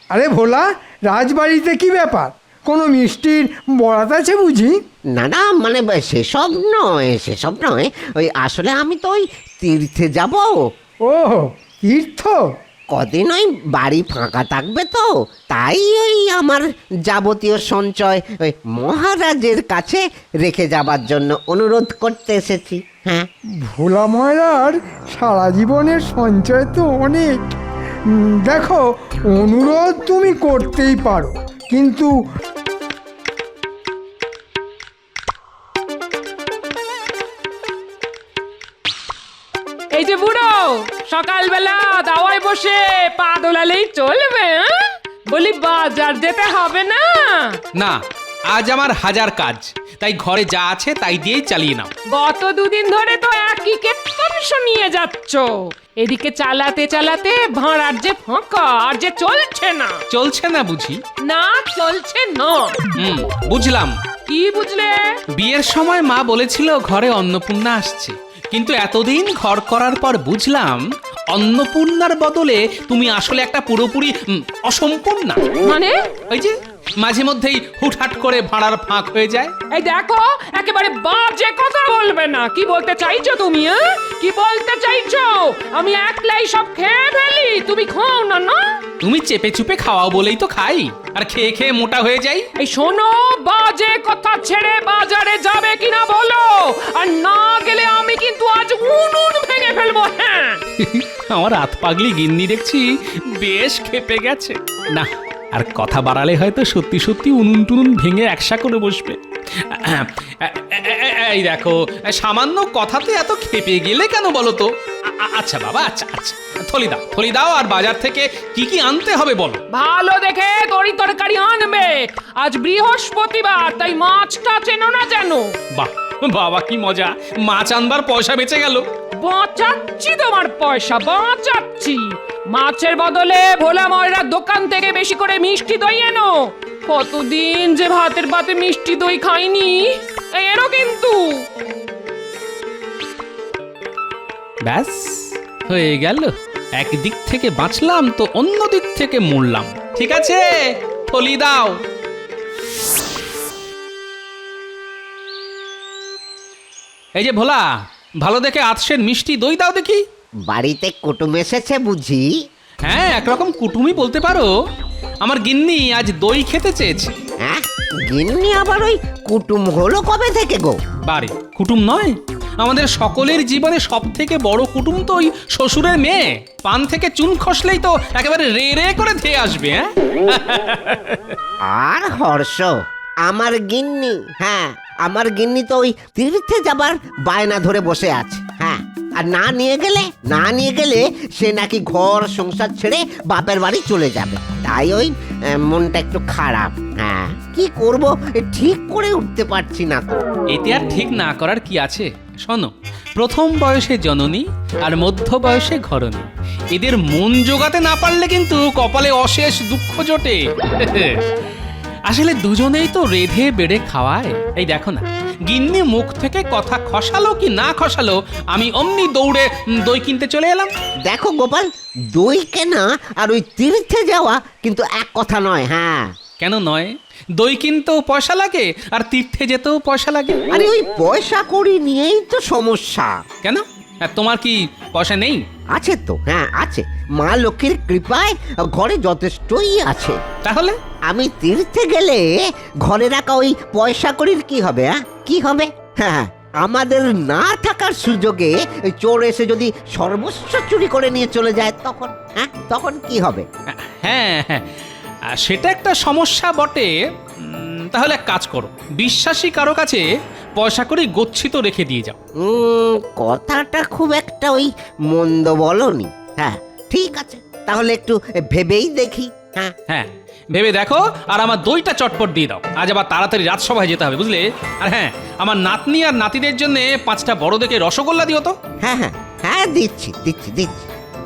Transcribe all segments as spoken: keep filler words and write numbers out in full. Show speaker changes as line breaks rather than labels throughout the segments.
আরে ভোলা, রাজবাড়িতে কি ব্যাপার? কোনো মিষ্টির বরাত আছে বুঝি?
না না, মানে সেসব নয়, সেসব নয়। ওই আসলে আমি তো ওই তীর্থে যাব।
ও তীর্থ?
কদিন ওই বাড়ি ফাঁকা থাকবে তো, তাই ওই আমার যাবতীয় সঞ্চয় ওই মহারাজের কাছে রেখে যাবার জন্য অনুরোধ করতে এসেছি। হ্যাঁ,
ভোলা ময়রার সারা জীবনের সঞ্চয় তো অনেক। উম, দেখো, অনুরোধ তুমি করতেই পারো, কিন্তু
এই যে বুড়ো, সকালবেলা দাওয়ায় বসে পা দোলালেই চলবে? হ্যাঁ? বলি বাজার যেতে হবে না?
না, আজ আমার হাজার কাজ, তাই ঘরে যা আছে তাই দিয়েই চালিয়ে নাও।
গত দুদিন ধরে তো একই কেতন নিয়ে যাচ্ছ। এদিকে চালাতে চালাতে ভাড়ার যে ফাঁকা, আর যে চলছে না।
চলছে না বুঝি?
না, চলছে না।
হুম, বুঝলাম।
কি বুঝলে?
বিয়ের সময় মা বলেছিল ঘরে অন্নপূর্ণা আসছে, কিন্তু এতদিন ঘর করার পর বুঝলাম অন্নপূর্ণার বদলে তুমি আসলে একটা পুরোপুরি উম, অসম্পূর্ণা।
মানে?
ওই যে মাঝে মধ্যেই হুটহাট করে ভাড়ার ফাঁক হয়ে যায়।
এই দেখো, একেবারে বাজে কথা বলবে না। কি বলতে চাইছো তুমি? হ্যাঁ? কি বলতে চাইছো? আমি একলাই সব খেয়ে ফেলি, তুমি খাও না? না,
তুমি চেপে চুপে খাওয়াও বলেই তো খাই, আর খেয়ে খেয়ে মোটা হয়ে যাই।
এই শোনো, বাজে কথা ছেড়ে বাজারে যাবে কিনা বলো, আর না গেলে আমি কিন্তু আজ উনুন ভেঙে ফেলবো। হ্যাঁ,
আমার হাত পাগলি গিন্নি দেখছি বেশ ক্ষেপে গেছে। না, আর কথা বাড়ালে হয়তো সত্যি সত্যি উনুন টুনুন ভেঙে একসা করে বসবে। এই দেখো, সামান্য কথাতে এত ক্ষেপে গেলে কেন বলো তো? আ- আচ্ছা বাবা, আচ্ছা আচ্ছা, থলি দাও, থলি দাও, আর বাজার থেকে কি কি আনতে হবে বলো।
ভালো দেখে তরি তরকারি আনবে। আজ বৃহস্পতিবার, তাই মাছটা চেনো না যেন?
বাহ বাবা, কি মজা, মাছ আনবার পয়সা বেঁচে গেল।
বাঁচাচ্ছি তোমার পয়সা, বাঁচাচ্ছি। মাছের বদলে ভোলা ময়রার দোকান থেকে বেশি করে মিষ্টি দই এনো। কতদিন যে ভাতের পাতে মিষ্টি দই খাইনি। এই এনো কিন্তু।
ব্যাস হয়ে গেল, একদিক থেকে বাঁচলাম তো অন্য দিক থেকে মরলাম। ঠিক আছে, থলি দাও। এই যে ভোলা, ভালো দেখে আতসের মিষ্টি দই দাও দেখি।
বাড়িতে কুটুম এসেছে বুঝি?
হ্যাঁ, একরকম কুটুমই বলতে পারো। আমার গিন্নি আজ দই খেতে চেয়েছে।
হ্যাঁ, গিন্নি আবার ওই কুটুম হলো কবে থেকে গো?
বারে, কুটুম নয়, আমাদের সকলের জীবনে সব থেকে বড় কুটুম তো ওই শ্বশুরের মেয়ে। পান থেকে চুন খসলেই তো একেবারে রে রে করে ধেয়ে আসবে। হ্যাঁ,
আর হর্ষ, আমার গিন্নি, হ্যাঁ আমার গিন্নি তো ওই তীর্থে যাবার বায়না ধরে বসে আছে। হ্যাঁ, আর না নিয়ে গেলে না নিয়ে গেলে সে নাকি ঘর সংসার ছেড়ে বাপের বাড়ি চলে যাবে। তাই ওই আহ, মনটা একটু খারাপ। হ্যাঁ, কি করব ঠিক করে উঠতে পারছি না তো।
এতে আর ঠিক না করার কি আছে? শোনো, প্রথম বয়সে জননী আর মধ্য বয়সে ঘরণী, এদের মন জোগাতে না পারলে কিন্তু কপালে অশেষ দুঃখ জোটে। আসলে দুজনেই তো রেধে বেড়ে খাওয়ায়। এই দেখো না, গিন্নি মুখ থেকে কথা খসালো কি না খসালো, আমি অমনি দৌড়ে উম, দই কিনতে চলে এলাম।
দেখো গোপাল, দই কেনা আর ওই তীর্থে যাওয়া কিন্তু এক কথা নয়। হ্যাঁ,
কেন নয়? দই কিনতেও পয়সা লাগে, আর তীর্থে যেতেও পয়সা লাগে।
আরে ওই পয়সা কড়ি নিয়েই তো সমস্যা।
কেন, আর তোমার কি পয়সা নেই?
আছে তো, হ্যাঁ আছে। মা লক্ষ্মীর কৃপায় ঘরে যথেষ্টই আছে।
তাহলে
আমি তীর্থে গেলে ঘরে রাখা ওই পয়সা কড়ির কি হবে? হ্যাঁ, কি হবে? হ্যাঁ, আমাদের না থাকার সুযোগে ওই চোর এসে যদি সর্বস্ব চুরি করে নিয়ে চলে যায়, তখন হ্যাঁ তখন কি হবে?
হ্যাঁ হ্যাঁ, আর সেটা একটা সমস্যা বটে। উম, তাহলে এক কাজ করো, বিশ্বাসী কারো কাছে পয়সা করে গচ্ছিত রেখে দিয়ে যাও।
উম, কথাটা খুব একটা ওই মন্দ বলনি। হ্যাঁ ঠিক আছে, তাহলে একটু ভেবেই দেখি। হ্যাঁ
হ্যাঁ, ভেবে দেখো, আর আমার দইটা চটপট দিয়ে দাও। আজ আবার তাড়াতাড়ি রাজসভায় যেতে হবে, বুঝলে? আর হ্যাঁ, আমার নাতনি আর নাতিদের জন্য পাঁচটা বড় দেখে রসগোল্লা দিও তো।
হ্যাঁ হ্যাঁ হ্যাঁ, দিচ্ছি দিচ্ছি দিচ্ছি।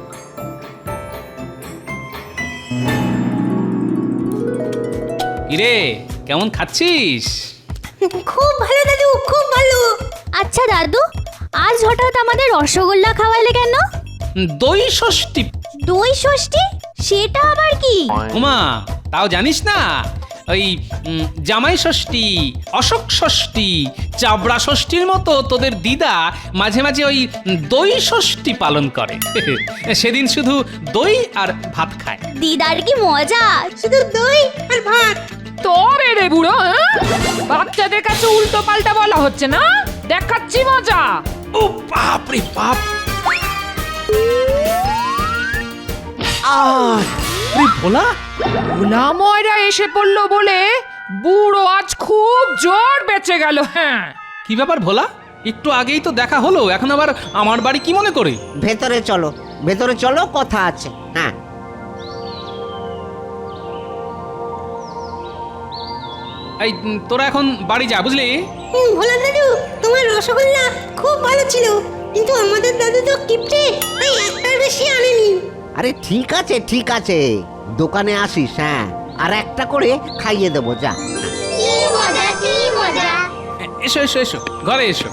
কিরে, কেমন খাচ্ছিস?
খুব ভালো দাদু, খুব ভালো। আচ্ছা দাদু, আজ হঠাৎ আমাদের রসগোল্লা খাওয়ালে কেন?
দই ষষ্ঠী।
দই ষষ্ঠী? সেটা আবার কি?
উমা, তাও জানিস না? ওই উম, জামাই ষষ্ঠী, অশোক ষষ্ঠী, চাবড়া ষষ্ঠীর মতো তোদের দিদা মাঝে মাঝে ওই দই ষষ্ঠী পালন করে। সেদিন শুধু দই আর ভাত খায়।
দিদার কি মজা, শুধু দই আর ভাত।
তবে রে বুড়ো, হ্যাঁ? বাচ্চাদের কাছে উল্টো পাল্টা বলা হচ্ছে না, দেখাচ্ছি মজা।
ও বাপ রে বাপ! আহ, রে ভোলা!
ভোলা ময়রা এসে পড়লো বলে বুড়ো আজ খুব জোর বেঁচে গেল। হ্যাঁ,
কি ব্যাপার ভোলা? একটু আগেই তো দেখা হলো, এখন আবার আমার বাড়ি কি মনে করে?
ভেতরে চলো, ভেতরে চলো, কথা আছে। হ্যাঁ,
এই উম, তোরা এখন বাড়ি যা, বুঝলি?
ভোলা দাদু, তোমার রসগোল্লা খুব ভালো ছিল, কিন্তু আমাদের দাদু তো কিপটে, তাই একটার বেশি আনেনি।
আরে ঠিক আছে ঠিক আছে, দোকানে আসিস। হ্যাঁ, আর একটা করে খাইয়ে দেবো, যা।
কি মজা, কি মজা।
এ- এসো এসো এসো, ঘরে এসো।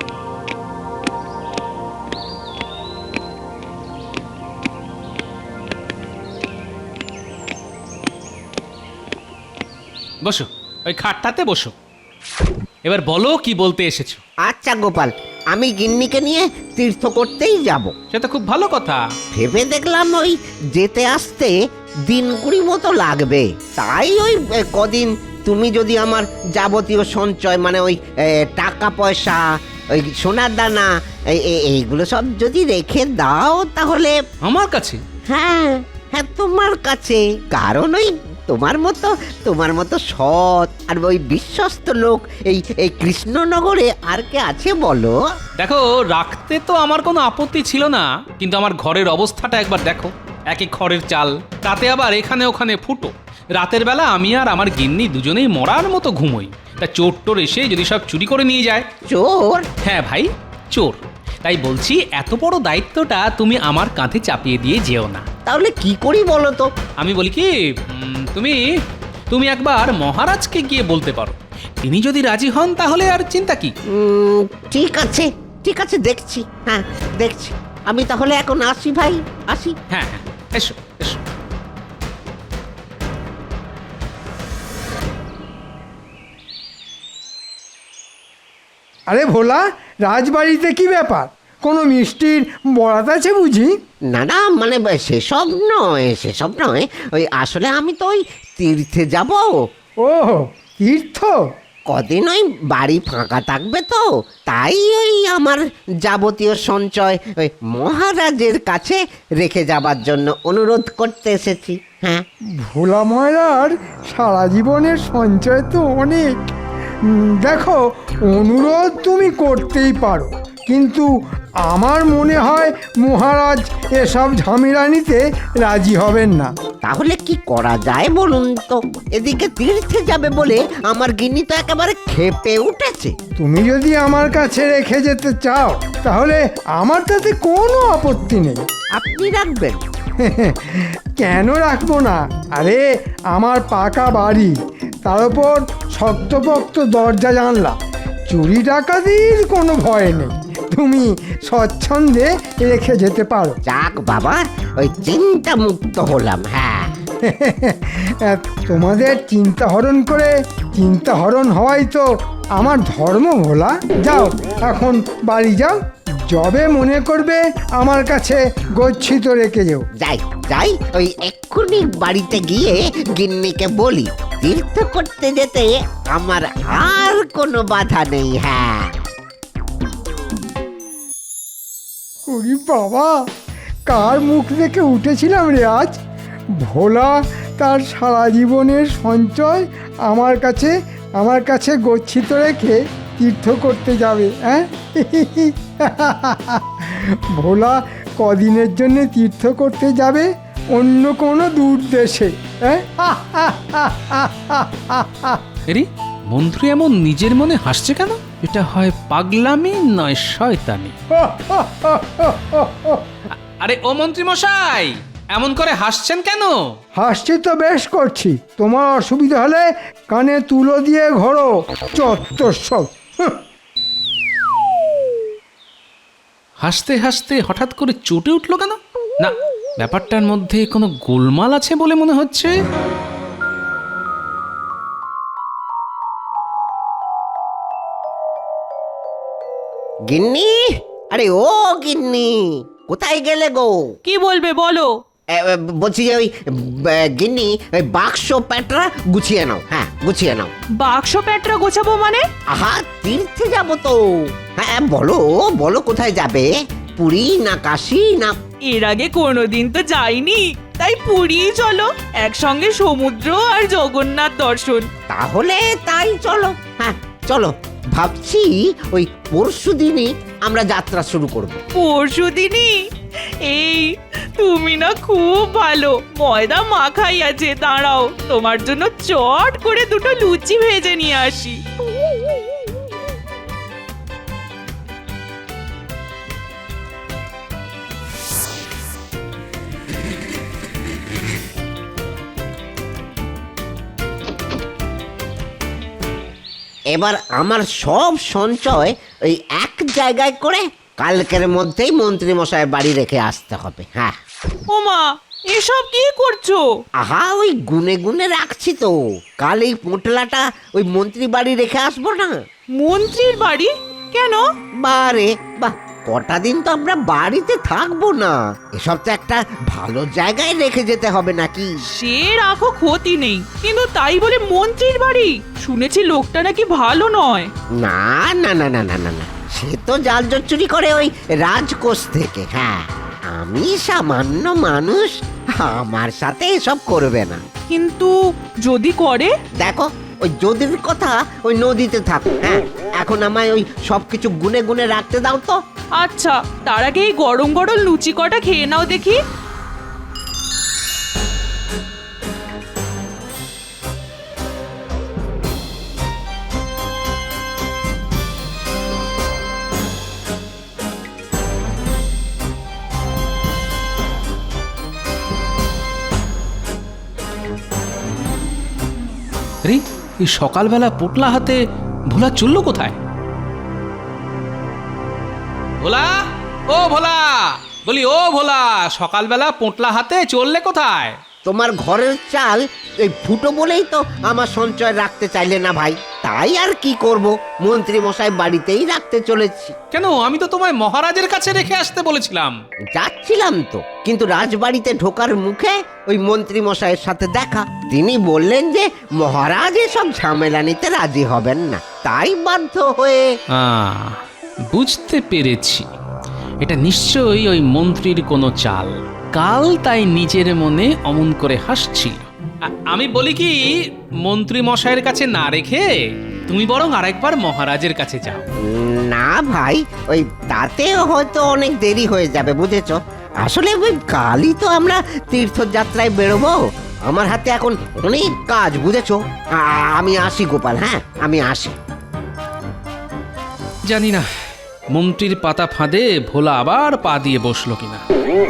বসো, ওই খাটটাতে বসো। এবার বলো কি বলতে এসেছো।
আচ্ছা গোপাল, আমি গিন্নিকে নিয়ে তীর্থ করতেই যাব।
সে তো খুব ভালো কথা।
ভেবে দেখলাম ওই যেতে আসতে দিন কুড়ি মতো লাগবে, তাই ওই এ, কদিন তুমি যদি আমার যাবতীয় সঞ্চয় মানে ওই এ, টাকা পয়সা, ওই সোনার দানা, এই- এই- এইগুলো সব যদি রেখে দাও তাহলে।
আমার কাছে?
হ্যাঁ হ্যাঁ, তোমার কাছে। কারণ ওই তোমার মতো তোমার মতো সৎ আর ওই বিশ্বস্ত লোক এই এই কৃষ্ণনগরে আর কে আছে বলো?
দেখো, রাখতে তো আমার কোনো আপত্তি ছিল না, কিন্তু আমার ঘরের অবস্থাটা একবার দেখো। এক এক খড়ের চাল, তাতে আবার এখানে ওখানে ফুটো। রাতের বেলা আমি আর আমার গিন্নি দুজনেই মরার মতো ঘুমোই। তা চোর টোর এসে যদি সব চুরি করে নিয়ে যায়?
চোর?
হ্যাঁ ভাই, চোর। তাই বলছি, এত বড় দায়িত্বটা তুমি আমার কাঁধে চাপিয়ে দিয়ে যেও না।
তাহলে কি করি বলো তো?
আমি বলি কি, উম, তুমি তুমি একবার মহারাজকে গিয়ে বলতে পারো। তিনি যদি রাজি হন তাহলে আর চিন্তা কি।
উম, ঠিক আছে ঠিক আছে, দেখছি। হ্যাঁ দেখছি। আমি তাহলে এখন আসি ভাই, আসি।
হ্যাঁ হ্যাঁ, এসো এসো।
আরে ভোলা, রাজবাড়িতে কি ব্যাপার? কোনো মিষ্টির বরাত আছে বুঝি?
না না, মানে ব- সেসব নয়, সেসব নয়। ওই আসলে আমি তো ওই তীর্থে যাব।
ও তীর্থ?
কদিন ওই বাড়ি ফাঁকা থাকবে তো, তাই ওই আমার যাবতীয় সঞ্চয় ওই মহারাজের কাছে রেখে যাবার জন্য অনুরোধ করতে এসেছি। হ্যাঁ,
ভোলা ময়রার সারা জীবনের সঞ্চয় তো অনেক। উম, দেখো, অনুরোধ তুমি করতেই পারো, কিন্তু আমার মনে হয় মহারাজ এসব ঝামেলা নিতে রাজি হবেন না।
তাহলে কি করা যায় বলুন তো? এদিকে তীর্থে যাবে বলে আমার গিন্নি তো একেবারে ক্ষেপে উঠেছে।
তুমি যদি আমার কাছে রেখে যেতে চাও তাহলে আমার তাতে কোনো আপত্তি নেই।
আপনি রাখবেন?
কেন রাখবো না? আরে আমার পাকা বাড়ি, তার উপর শক্তপোক্ত দরজা জানলা, চুরি ডাকাতির কোনো ভয় নেই। তুমি স্বচ্ছন্দে রেখে যেতে পারো।
যাক বাবা, ওই চিন্তা মুক্ত হলাম। হ্যাঁ,
তোমাদের চিন্তা হরণ করে চিন্তা হরণ হওয়াই তো আমার ধর্ম ভোলা। যাও এখন বাড়ি যাও, যবে মনে করবে আমার কাছে গচ্ছিত রেখে যেও।
যাই যাই, ওই এক্ষুনি বাড়িতে গিয়ে গিন্নিকে বলি তীর্থ করতে যেতে আমার আর কোনো বাধা নেই। হ্যাঁ।
ওরে বাবা, কার মুখ দেখে উঠেছিলাম রে আজ! ভোলা তার সারা জীবনের সঞ্চয় আমার কাছে আমার কাছে গচ্ছিত রেখে তীর্থ করতে যাবে। হ্যাঁ, ভোলা কদিনের জন্য তীর্থ করতে যাবে অন্য কোনো দূর দেশে। হ্যাঁ,
এরি, মন্ত্রী এমন নিজের মনে হাসছে কেন? এটা হয় পাগলামি নয় শয়তানি। আরে ও মন্ত্রী মশাই, এমন করে হাসছেন কেন?
হাসছি তো বেশ করছি, তোমার অসুবিধা হলে কানে তুলো দিয়ে ঘোরো। চত্বর সব। হুঁ।
হাসতে হাসতে হঠাৎ করে চটে উঠলো কেন? না, ব্যাপারটার মধ্যে কোনো গোলমাল আছে বলে মনে হচ্ছে।
গিন্নি, আরে ও গিন্নি, কোথায় গেলে গো?
কি বলবে বলো?
এ, এ, বলছি যে ওই এ, গিন্নি, ওই বাক্স প্যাটরা গুছিয়ে নাও। হ্যাঁ, গুছিয়ে নাও।
বাক্স প্যাটরা গোছাবো মানে?
আহা, তীর্থে যাবো তো। হ্যাঁ, বলো বলো, কোথায় যাবে? পুরী না কাশী না?
এর আগে কোনোদিন তো যাইনি, তাই পুরী চলো, একসঙ্গে সমুদ্র আর জগন্নাথ দর্শন।
তাহলে তাই চলো। হ্যাঁ চলো, ভাবছি ওই পরশু দিনই আমরা যাত্রা শুরু করব।
পরশু দিনই? এই তুমি না খুব ভালো, ময়দা মাখাই আছে, দাঁড়াও তোমার জন্য চট করে দুটো লুচি ভেজে নিয়ে আসি।
এবার আমার সব সঞ্চয় ওই এক জায়গায় করে কালকের মধ্যেই মন্ত্রী মশাইয়ের বাড়ি রেখে আসতে হবে। হ্যাঁ।
ওমা, এসব কি করছো?
আহা, ওই গুনে গুনে রাখছি তো, কাল এই পোটলাটা ওই মন্ত্রী বাড়ি রেখে আসবো না।
মন্ত্রীর বাড়ি? কেন?
বারে বাহ, কটা দিন তো আমরা বাড়িতে থাকবো না, এসব তো একটা ভালো জায়গায় রেখে যেতে হবে নাকি?
সে রাখো, ক্ষতি নেই, কিন্তু তাই বলে মন্ত্রীর বাড়ি? শুনেছি লোকটা নাকি ভালো নয়।
না না না না না না না, সে তো জাল জট চুরি করে ওই রাজকোষ থেকে। হ্যাঁ, আমি সামান্য মানুষ, আমার সাথে এসব করবে না।
কিন্তু যদি করে?
দেখো, ওই যদির কথা ওই নদীতে থাক। হ্যাঁ, এখন আমায় ওই সবকিছু গুনে গুনে রাখতে দাও তো।
আচ্ছা, তার আগে এই গরম গরম লুচি কটা খেয়ে নাও দেখি।
আরে এই সকালবেলা পোটলা হাতে ভোলা চললো কোথায়? ভোলা, ও ভোলা, বলি ও ভোলা, সকালবেলা পোটলা হাতে চললে কোথায়?
তোমার ঘরের চাল এই ফুটো বলেই তো আমার সঞ্চয় রাখতে চাইলে না ভাই, তাই আর কি করব, মন্ত্রী মশাই বাড়িতেই রাখতে চলেছি।
কেন, আমি তো তোমায় মহারাজের কাছে রেখে আসতে বলেছিলাম।
যাচ্ছিলাম তো, কিন্তু রাজবাড়িতে ঢোকার মুখে ওই মন্ত্রী মশাইয়ের সাথে দেখা। তিনি বললেন যে মহারাজ এসব ঝামেলা নিতে রাজি হবেন না, তাই বাধ্য হয়ে।
আহ, বুঝতে পেরেছি, এটা নিশ্চয়ই ওই মন্ত্রীর কোনো চাল। কাল তাই নিজের মনে অমন করে হাসছি। আমি বলি কি, মন্ত্রী মশাইয়ের কাছে না রেখে তুমি বরং আরেকবার মহারাজের কাছে যাও।
না ভাই, ওই তাতেও হয়তো অনেক দেরি হয়ে যাবে, বুঝেছ? আসলে ওই কালই তো আমরা তীর্থযাত্রায় বেরোবো, আমার হাতে এখন অনেক কাজ, বুঝেছ? আ- আমি আসি গোপাল, হ্যাঁ আমি আসি।
জানি না মন্ত্রীর পাতা ফাঁদে ভোলা আবার পা দিয়ে বসলো কিনা।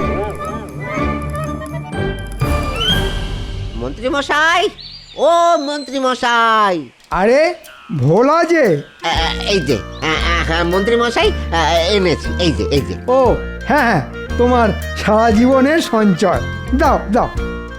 মন্ত্রী মশাই, ও মন্ত্রী মশাই।
আরে ভোলা যে,
আ, এই যে আ, আ, হ্যাঁ মন্ত্রী মশাই, আ, এনেছি, এই যে এই যে।
ও হ্যাঁ হ্যাঁ, তোমার সারা জীবনের সঞ্চয়, দাও দাও।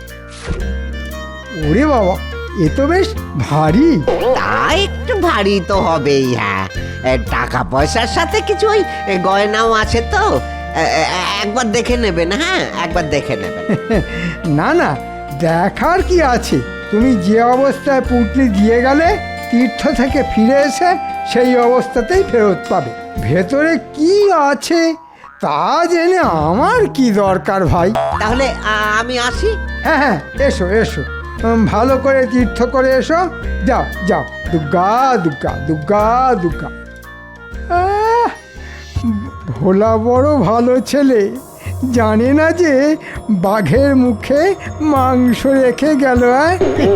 ওরে বাবা, এ তো বেশ ভারী।
তা একটু ভারী তো হবেই। হ্যাঁ, এ, টাকা পয়সার সাথে কিছু ওই এ, গয়নাও আছে তো, এ, এ, একবার দেখে নেবেন। হ্যাঁ, একবার দেখে নেবেন।
না না, দেখার কি আছে, তুমি যে অবস্থায় পুঁটলি দিয়ে গেলে তীর্থ থেকে ফিরে এসে সেই অবস্থাতেই ফেরত পাবে। ভেতরে কি আছে তা জেনে আমার কি দরকার ভাই।
তাহলে আ, আমি আসি।
হ্যাঁ হ্যাঁ, এসো এসো, উম, ভালো করে তীর্থ করে এসো। যাও যাও, দুর্গা দুর্গা দুর্গা দুর্গা। আহ, ভোলা বড় ভালো ছেলে, জানে না যে বাঘের মুখে মাংস রেখে গেল। আহ?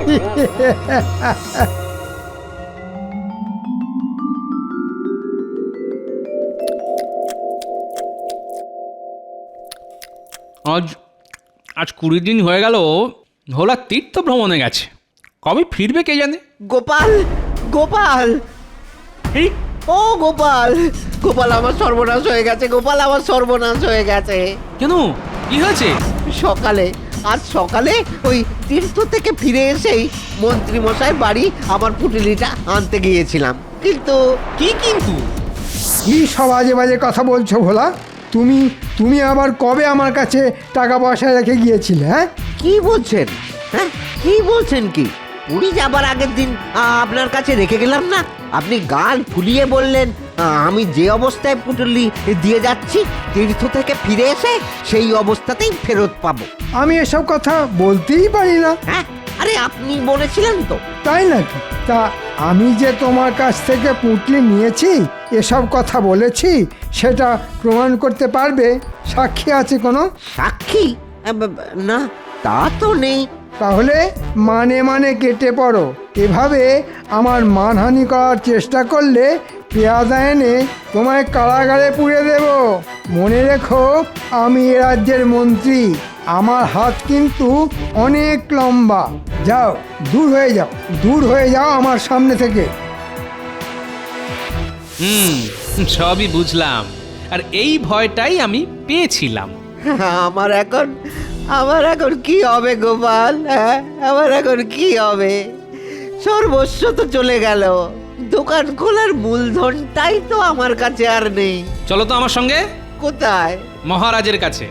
আজ আজ কুড়ি দিন হয়ে গেল ভোলা তীর্থ ভ্রমণে গেছে, কবে ফিরবে কে জানে।
গোপাল, গোপাল।
এই
ও গোপাল, গোপাল আমার সর্বনাশ হয়ে গেছে, গোপাল আমার সর্বনাশ হয়ে গেছে।
কেন কি হয়েছে?
সকালে, আজ সকালে ওই তীর্থ থেকে ফিরে এসেই মন্ত্রী মশাই বাড়ি আমার পুটুলিটা আনতে গিয়েছিলাম, কিন্তু
কি কিন্তু?
কি সব আজে বাজে কথা বলছো ভোলা? তুমি তুমি আবার কবে আমার কাছে টাকা পয়সা রেখে গিয়েছিলে? হ্যাঁ,
কি বলছেন? হ্যাঁ, কি বলছেন? কি পুরী যাবার আগের দিন আ, আপনার কাছে রেখে গেলাম না? আপনি গাল ফুলিয়ে বললেন আ, আমি যে অবস্থায় পুটুলি দিয়ে যাচ্ছি তীর্থ থেকে ফিরে এসে সেই অবস্থাতেই ফেরত পাবো।
আমি এসব কথা বলতেই পারি না।
হ্যাঁ, আরে আপনি বলেছিলেন তো।
তাই নাকি? তা আমি যে তোমার কাছ থেকে পুঁটলি নিয়েছি, এসব কথা বলেছি, সেটা প্রমাণ করতে পারবে? সাক্ষী আছে কোনো?
সাক্ষী? আ, ব- ব- না, তা তো নেই।
তাহলে মানে মানে কেটে পড়ো। এভাবে আমার মানহানি করার চেষ্টা করলে পেয়াদা এনে তোমায় কারাগারে পুড়ে দেব। মনে রেখো, আমি এ রাজ্যের মন্ত্রী, আমার হাত কিন্তু অনেক লম্বা। যাও, দূর হয়ে যাও, দূর হয়ে যাও আমার সামনে থেকে।
হুম, সবই বুঝলাম, আর এই ভয়টাই আমি পেয়েছিলাম।
আমার এখন আমার এখন কি হবে গোপাল? হ্যাঁ, আমার এখন কি হবে? সর্বস্ব তো চলে গেল, দোকান খোলার মূলধনটাই তো আমার কাছে আর নেই।
চলো তো আমার সঙ্গে
কোথায়?
মহারাজের কাছে।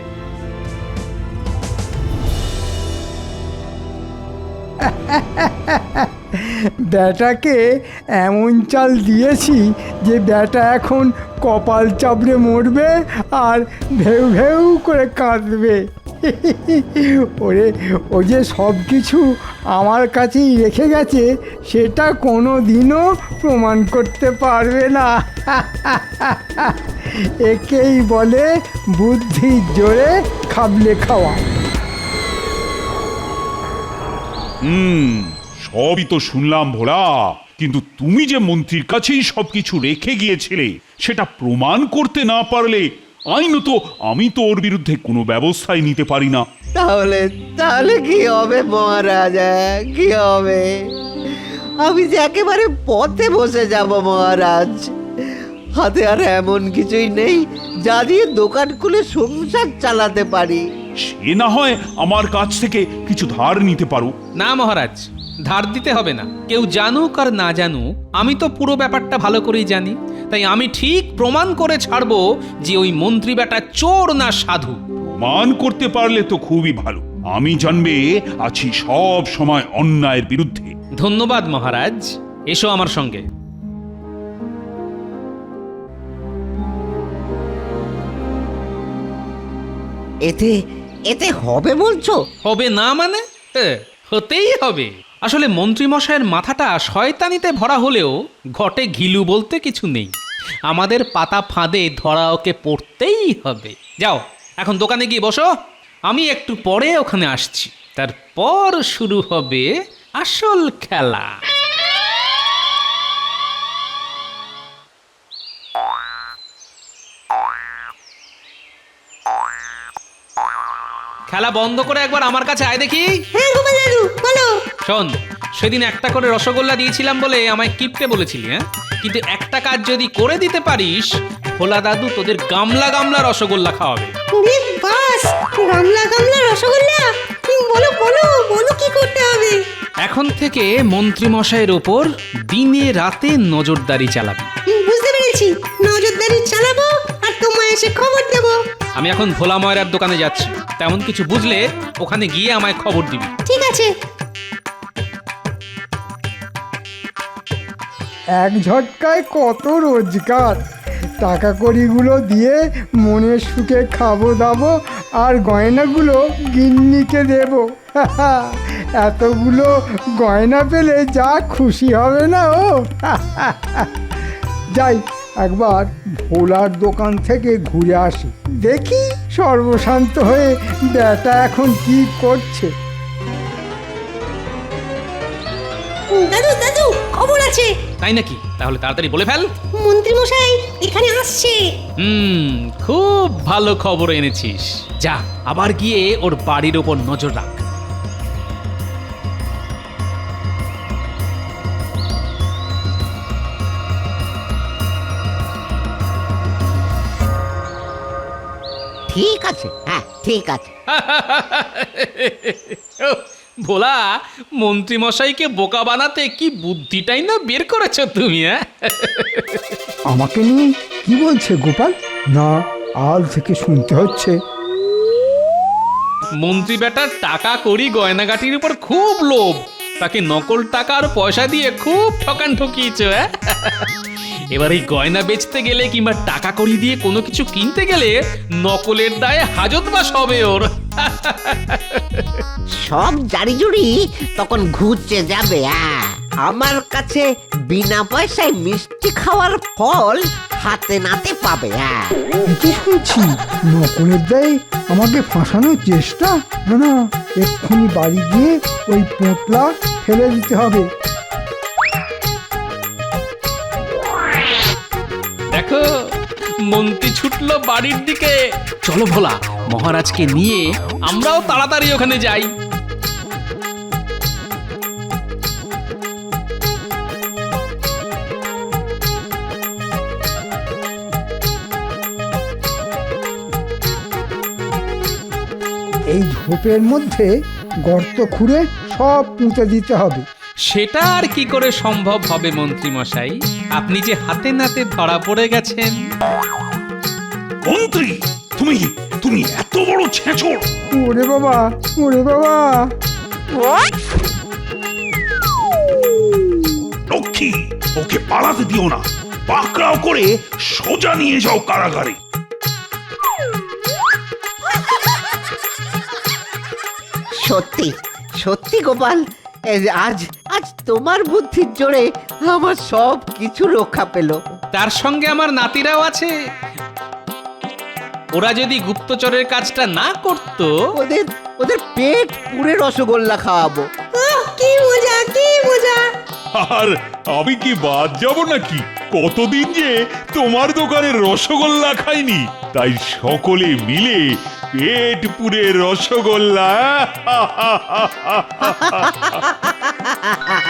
ব্যাটাকে এমন চাল দিয়েছি যে ব্যাটা এখন কপাল চাপড়ে মরবে আর ভেউ ভেউ করে কাঁদবে। ওরে, ও যে সব কিছু আমার কাছেই রেখে গেছে সেটা কোনো দিনও প্রমাণ করতে পারবে না। একেই বলে বুদ্ধির জোরে খাবলে খাওয়া।
হুম, সবই তো শুনলাম ভোলা, কিন্তু তুমি যে মন্ত্রীর কাছেই সবকিছু রেখে গিয়েছিলে সেটা প্রমাণ করতে না পারলে আইনত আমি তো ওর বিরুদ্ধে কোনো ব্যবস্থাই নিতে পারি না।
তাহলে তাহলে কি হবে মহারাজ? হ্যাঁ, কি হবে? আমি যে একেবারে পথে বসে যাব মহারাজ। হাতে আর এমন কিছুই নেই যা দিয়ে দোকান খুলে সংসার চালাতে পারি।
সে না হয় আমার কাছ থেকে কিছু ধার নিতে পারো।
না মহারাজ, ধার দিতে হবে না। কেউ জানুক আর না জানুক, আমি তো পুরো ব্যাপারটা ভালো করেই জানি। তাই আমি ঠিক প্রমাণ করে ছাড়বো যে ওই মন্ত্রী বেটা চোর না সাধু।
মান করতে পারলে তো খুবই ভালো। আমি জানবে আছি সব সময় অন্যায়ের বিরুদ্ধে।
ধন্যবাদ মহারাজ, এসো আমার সঙ্গে।
এতে এতে হবে বলছো?
হবে না মানে? এ, হতেই হবে। আসলে মন্ত্রী মশাইয়ের মাথাটা শয়তানিতে ভরা হলেও ঘটে ঘিলু বলতে কিছু নেই। আমাদের পাতা ফাঁদে ধরা ওকে পড়তেই হবে। যাও, এখন দোকানে গিয়ে বসো, আমি একটু পরে ওখানে আসছি। তারপর শুরু হবে আসল খেলা। খেলা বন্ধ করে একবার আমার কাছে আয় দেখি।
হ্যাঁ গোপাল দাদু, বলো।
শোন, সেদিন একটা করে রসগোল্লা দিয়েছিলাম বলে আমায় কিপটে বলেছিলি, হ্যাঁ? কিন্তু একটা কাজ যদি করে দিতে পারিস, ভোলা দাদু তোদের গামলা গামলা রসগোল্লা খাওয়াবে।
রে বাস, গামলা গামলা রসগোল্লা। তুমি বলো বলো বলো কি করতে হবে?
এখন থেকে মন্ত্রী মশাইয়ের ওপর দিনে রাতে নজরদারি চালাবি।
হুম, বুঝতে পেরেছি। নজরদারি চালাবো আর তোমায় এসে খবর দেবো।
আমি এখন ভোলা ময়রার দোকানে যাচ্ছি, তেমন কিছু বুঝলে ওখানে গিয়ে আমায় খবর দিবি।
ঠিক আছে।
এক ঝটকায় কত রোজগার। টাকা কড়িগুলো দিয়ে মনের সুখে খাবো দাবো আর গয়নাগুলো গিন্নিকে দেব। এতগুলো গয়না পেলে যা খুশি হবে না ও। যাই, একবার ভোলার দোকান থেকে ঘুরে আসি, দেখি সর্বশান্ত হয়ে ব্যাটা এখন কি করছে।
দাদু দাদু, খবর আছে।
তাই নাকি? তাহলে তাড়াতাড়ি বলে ফেল।
মন্ত্রী মশাই এখানে আসছে।
হুম, খুব ভালো খবর এনেছিস। যা, আবার গিয়ে ওর বাড়ির ওপর নজর রাখ।
ঠিক আছে, হ্যাঁ ঠিক আছে।
ভোলা, মন্ত্রী মশাইকে বোকা বানাতে কি বুদ্ধিটাই না বের করেছো তুমি, হ্যাঁ?
আমাকে নিয়ে কি বলছে গোপাল? না, আজ থেকে শুনতে হচ্ছে।
মন্ত্রী বেটার টাকা করি গয়নাগাটির উপর খুব লোভ, তাকে নকল টাকা আর পয়সা দিয়ে খুব ঠকান ঠকিয়েছো, হ্যাঁ? এবার এই গয়না বেচতে গেলে কিংবা টাকা করি দিয়ে কোনো কিছু কিনতে গেলে নকলের দায়ে হাজতবাস হবে ওর।
সব জারি জুড়ি তখন ঘুরছে যাবে। হ্যাঁ, আমার কাছে বিনা পয়সায় মিষ্টি খাওয়ার ফল হাতে নাতে পাবে। হ্যাঁ,
কি শুনছি? নকলের দায়ে আমাকে ফাঁসানোর চেষ্টা? না না, এক্ষুনি বাড়ি গিয়ে ওই পোঁটলা ফেলে দিতে হবে।
দেখো, মন্ত্রী ছুটলো বাড়ির দিকে। চলো ভোলা, মহারাজকে নিয়ে আমরাও তাড়াতাড়ি ওখানে যাই।
এই ঝোপের মধ্যে গর্ত খুঁড়ে সব পুঁতে দিতে হবে।
সেটা আর কি করে সম্ভব হবে মন্ত্রী মশাই? আপনি যে হাতে নাতে ধরা পড়ে গেছেন।
মন্ত্রী, তুমি তুমি এত বড় ছেঁচড়!
ওরে বাবা, ওরে বাবা!
লক্ষ্মী, ওকে পালাতে দিও না, পাকড়াও করে সোজা নিয়ে যাও কারাগারে।
সত্যি সত্যি গোপাল, এই যে আজ আজ তোমার বুদ্ধির জোরে আমার সব কিছু রক্ষা পেল।
তার সঙ্গে আমার নাতিরাও আছে। ওরা যদি গুপ্তচরের কাজটা না করত,
ওদের ওদের পেট পুরে রসগোল্লা খাওয়াবো।
ওহ, কি মজা, কি মজা!
আর আমি কি বাদ যাব নাকি? কতদিন যে তোমার দোকানের রসগোল্লা খাইনি, তাই সকলে মিলে পেট পুরে রসগোল্লা।